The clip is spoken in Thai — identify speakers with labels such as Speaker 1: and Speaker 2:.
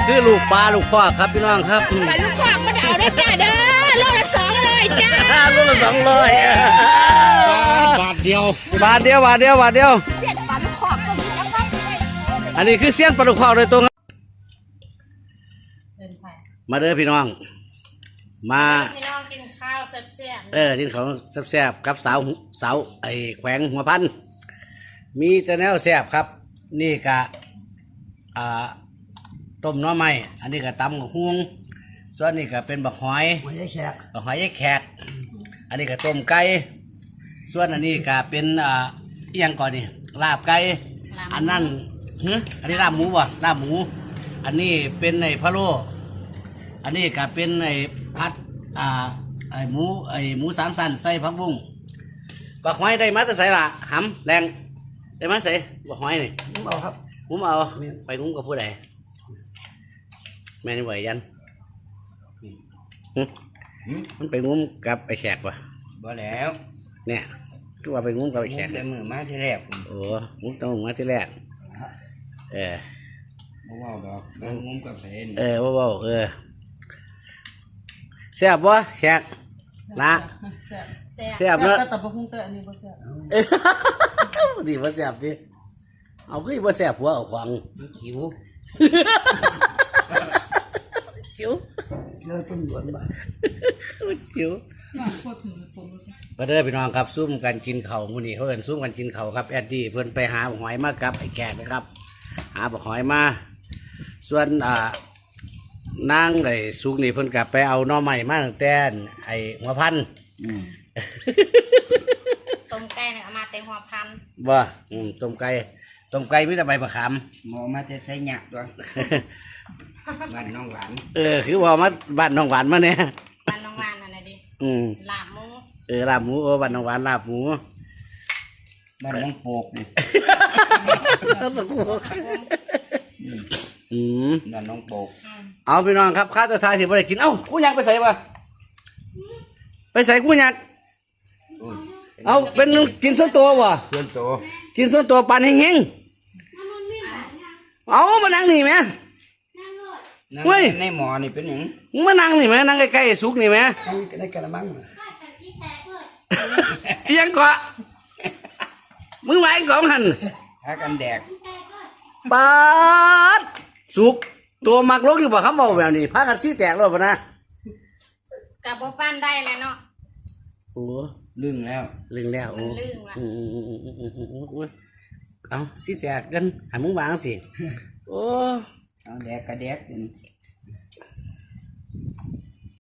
Speaker 1: คือลูกปลาลูกคอกครับพี่น้องครับ
Speaker 2: ปลาลูกคอกมันเอาได้จ้าเด้อโลละ200จ้า
Speaker 1: โลละ200
Speaker 3: บาทเดียว
Speaker 1: บาทเดียว
Speaker 2: เสียนปลาลูกคอกก็มีแล้วก็
Speaker 1: อันนี้คือเสี้ยนปลาลูกคอกโดยตรงมาเด้อพี่น้องมา
Speaker 2: พี่น้องกินข้าวแซ่บ
Speaker 1: กินของแซ่บๆกับสาวไอ้แขวงหัวพันมีแต่แนวแซ่บครับนี่กะต้มน้อไม้อันนี้ก็ตำกับฮุ้งส่วนนี้ก็เป็นบักหอยยายแขกบักหอยยายแขกอันนี้ก็ต้มไก่ส่วนอันนี้ก็เป็นอีหยังก่อนนี่ลาบไก่อันนั้นอันนี้ลาบหมูบ่ลาบหมูอันนี้เป็นไอ้พะโล้อันนี้ก็เป็นไอ้ผัดไอ้หมู3 ชั้นใส่ผักบุ้งบักหอยได้มาแต่ใส่ละหำแรงได้มาใส่บักหอยนี่ผมเอาครับผมเอาไปงุ้มกับผู้ใดแม่นี่ไหวยันมันไปงุ้มกับไอ้แขกป่ะ
Speaker 3: บ่แล้ว
Speaker 1: เนี่ยก็ว่าไปงุ้มกับไอ้แขก
Speaker 3: แต่มือมาที่แรก
Speaker 1: โอ้งุ้มต้องมาที่แรก
Speaker 3: บ่ว่าดอกต้องงุ้มกับเพน
Speaker 1: ว่าแซ่บวะแขกนะแซ่บเนอะ
Speaker 2: แต่บ่คงแต่อันนี้บ่แซ่บ
Speaker 1: ดีว่าแซ่บดิเอาขึ้นว่าแซ่บหัวเอาขวาง
Speaker 3: คิว
Speaker 1: เลยเป็นหวนบ้าคิวมาเด้อพี่น้องครับซุ่มกันกินเข่ามื้อนี้เขาเอิ้นซุ่มกันกินเข่าครับแอดดี้เพิ่นไปหาหอยมากับไอ้แขกนะครับหาหอยมาส่วนนางไอ้สุกนี่เพิ่นกลับไปเอาหน่อใหม่มาตั้งแต่ไอ้หัวพัน
Speaker 2: ต้มไก่เนี่ยเอามาเต็มหัวพัน
Speaker 1: บ่ต้มไก่มีแต่ใบมะขาม
Speaker 3: หมอมาแต่ใส่หยักด้วยบ้านน้องหวาน
Speaker 1: คือว่ามาบ้านน้องหวานมาเนี่ย
Speaker 2: บ้านน้องหวานอะไรดิลาบหมู
Speaker 1: ลาบหมูบ้านน้องหวานลาบหมู
Speaker 3: บ้านน้องโปกนี่บ้านน้องโปก
Speaker 1: เอาพี่น้องครับข้าจะทายสิบ่ได้กินเอ้ากูอยากไปใส่ปะไปใส่กูอยากเอาเป็นกินส่วนตัววะกินส่วนตัวปันเฮงเอามานั่งนี่ไหม
Speaker 3: เฮ้ยในหมอนี่เป็นยัง
Speaker 1: มานั่งนี่ไหมนั่งใกล้ๆสุกนี่ไหม
Speaker 3: ในกระมัง
Speaker 1: ยังเกาะมึงไหวของหัน
Speaker 3: หากันแดก
Speaker 1: ปาดสุกตัวมักลกอยู่บ่ครับบอกแบบนี้พากันซี่แตกแล้วป่ะนะ
Speaker 2: กับบ่ปั้นได้เลยเนาะ
Speaker 1: โอ้
Speaker 3: ลึงแล้ว
Speaker 1: โอ้เอาซี่แตกกันหันมึงวางสิโอ้
Speaker 3: เอาแดกกระแดก